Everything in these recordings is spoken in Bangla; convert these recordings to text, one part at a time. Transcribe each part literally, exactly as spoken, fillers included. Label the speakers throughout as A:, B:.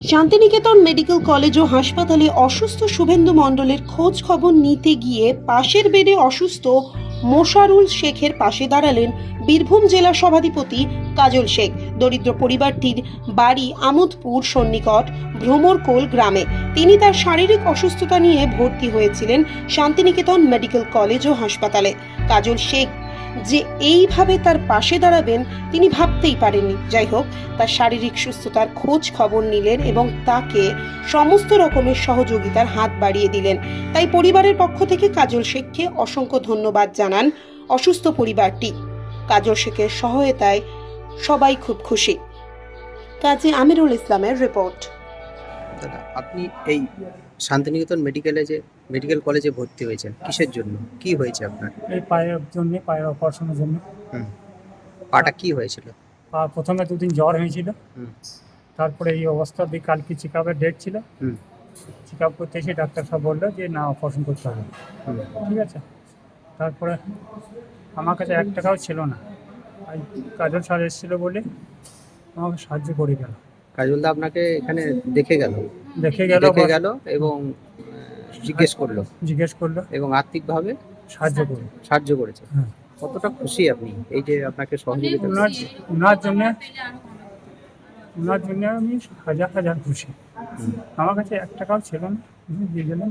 A: শান্তিনিকেতন মেডিকেল কলেজ ও হাসপাতালে অসুস্থ শুভেন্দু মণ্ডলের খোঁজ খবর নিতে গিয়ে পাশের বেডে অসুস্থ মোশারুল শেখের পাশে দাঁড়ালেন বীরভূম জেলা সভাধিপতি কাজল শেখ। দরিদ্র পরিবারটির বাড়ি আমোদপুর সন্নিকট ভ্রমরকোল গ্রামে। তিনি তার শারীরিক অসুস্থতা নিয়ে ভর্তি হয়েছিলেন শান্তিনিকেতন মেডিকেল কলেজ ও হাসপাতালে। কাজল শেখ যে এইভাবে তার পাশে দাঁড়াবেন তিনি ভাবতেই পারেননি। যাই হোক, তার শারীরিক সুস্থতার খোঁজ খবর নিলেন এবং তাকে সমস্ত রকমের সহযোগিতার হাত বাড়িয়ে দিলেন। তাই পরিবারের পক্ষ থেকে কাজল শেখকে অসংখ্য ধন্যবাদ জানান অসুস্থ পরিবারটি। কাজল শেখের সহায়তায় সবাই খুব খুশি। কাজী আমিরুল ইসলামের রিপোর্ট।
B: দাদা, আপনি এই শান্তিনিকেতন মেডিকেলে যে মেডিকেল কলেজে ভর্তি হয়েছেন কিসের জন্য, কি হয়েছে আপনার?
C: এই পায়ের জন্য, পায়ের অপারেশনের জন্য।
B: হুম পাটা কি হয়েছিল?
C: পা প্রথমে দুদিন জ্বর হয়েছিল,
B: হুম
C: তারপরে এই অবস্থা দিয়ে কালকে চেক আপের ডেট ছিল।
B: হুম
C: চেক আপ করতে এসে ডাক্তার সাহেব বললো যে না, অপারেশন করতে হবে।
B: হুম
C: ঠিক আছে, তারপরে আমার কাছে এক টাকাও ছিল না। আর কাজল স্যার এসেছিলো বলে আমাকে সাহায্য করে গেল।
B: কাজলদা আপনাকে এখানে দেখে গেল
C: দেখে গেল
B: দেখে গেল এবং আহ, জিজ্ঞেস করলো
C: জিজ্ঞেস করলো,
B: এবং আর্থিকভাবে
C: সাহায্য করে।
B: সাহায্য করেছে।
C: হ্যাঁ,
B: কতটা খুশি আপনি এই যে আপনাকে সহযোগিতা
C: ওনার
B: করেছে?
C: ওনার জন্য ওনার জন্য আমি হাজার হাজার খুশি।
B: হুম।
C: আমার কাছে এক টাকাও ছিল না, উনি দিয়ে গেলেন।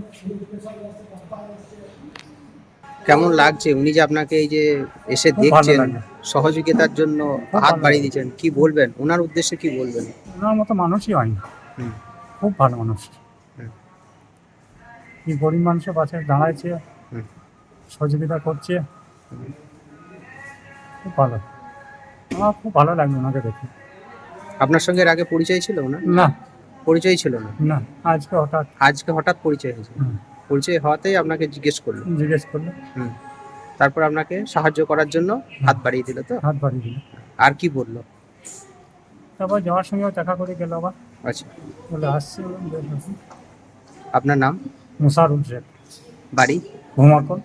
B: কেমন লাগছে উনি যে আপনাকে এই যে এসে
C: খুব ভালো
B: দেখছেন,
C: লাগে।
B: সহযোগিতার জন্য
C: খুব
B: হাত
C: ভালো
B: বাড়িয়ে
C: লাগে।
B: দিচ্ছেন, কি বলবেন ওনার উদ্দেশ্যে, কি বলবেন?
C: ওনার মতো মানুষই হয় না,
B: হুম
C: খুব ভালো মানুষ।
B: হুম
C: এই গরিব মানুষের পাশে দাঁড়াচ্ছে,
B: হুম
C: সহযোগিতা করছে,
B: হুম।
C: খুব ভালো। আমার খুব ভালো লাগলো ওনাকে দেখে।
B: আপনার সঙ্গে এর আগে পরিচয় ছিল না?
C: না
B: পরিচয় ছিল না,
C: না, আজকে হঠাৎ
B: আজকে হঠাৎ পরিচয় হয়েছে।
C: হুম,
B: পরিচয় হওয়াতেই আপনাকে জিজ্ঞেস করলো।
C: জিজ্ঞেস করলো,
B: হুম তারপর আপনাকে সাহায্য করার জন্য হাত বাড়িয়ে দিল তো?
C: হাত বাড়িয়ে দিল।
B: আর কি বললো?
C: তারপর যাওয়ার সঙ্গেও দেখা করে গেল আবার,
B: আচ্ছা,
C: বলে আসছি। বললাম, বেশ আসুন।
B: আপনার নাম,
C: মুশারুল শেখ,
B: বাড়ি?
C: ভ্রমরকোল।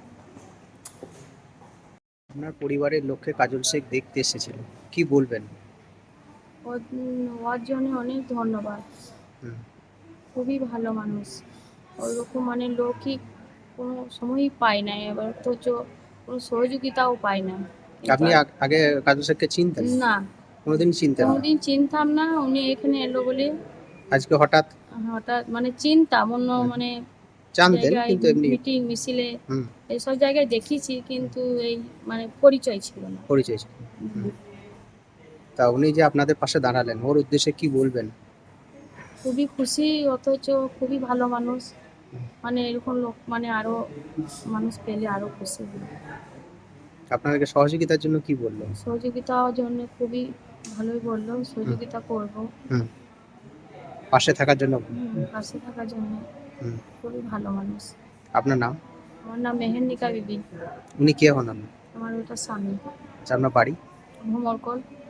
B: আপনার পরিবারের লোককে কাজল শেখ দেখতে এসেছিল, কি বলবেন?
D: ওর ওর জন্য অনেক ধন্যবাদ।
B: হুম
D: খুবই ভালো মানুষ। ওইরকম মানে লোকই কোনো সময়ই পায় না, এবার তো চ- কোনো সহযোগিতাও পায় না।
B: আপনি আগ- আগে কাজল শেখকে চিনতেন?
D: না,
B: কোনোদিন চিনতেন না?
D: কোনোদিন চিনতাম না। উনি এখানে এলো বলে
B: আজকে হঠাৎ
D: হঠাৎ মানে চিনতাম, অন্য
B: হুম।
D: মানে
B: জানতেন
D: জায়গায়
B: কিন্তু এমনি?
D: মিটিং মিছিলে
B: হুম
D: এইসব জায়গায় দেখেছি, কিন্তু এই মানে পরিচয় ছিল না।
B: পরিচয় ছিল। হুম। তা উনি যে আপনাদের পাশে দাঁড়ালেন, ওর উদ্দেশ্যে কি বলবেন?
D: খুবই খুশি, অথচ খুবই ভালো মানুষ। মানে এরকম লোক মানে আরো মানুষ পেলে আরো খুশি হই।
B: আপনাদেরকে সহযোগিতার জন্য কি বললো?
D: সহযোগিতার জন্য খুবই ভালোই বললো, সহযোগিতা করবো।
B: হুম পাশে থাকার জন্য।
D: হুম, পাশে থাকার জন্য।
B: হুম
D: খুবই ভালো মানুষ।
B: আপনার নাম?
D: আমার নাম মেহেন্দিকা বিবি।
B: উনি কে হন আপনার?
D: আমার ওটা স্বামী।
B: আচ্ছা, আপনার বাড়ি?
D: ভ্রমরকোল।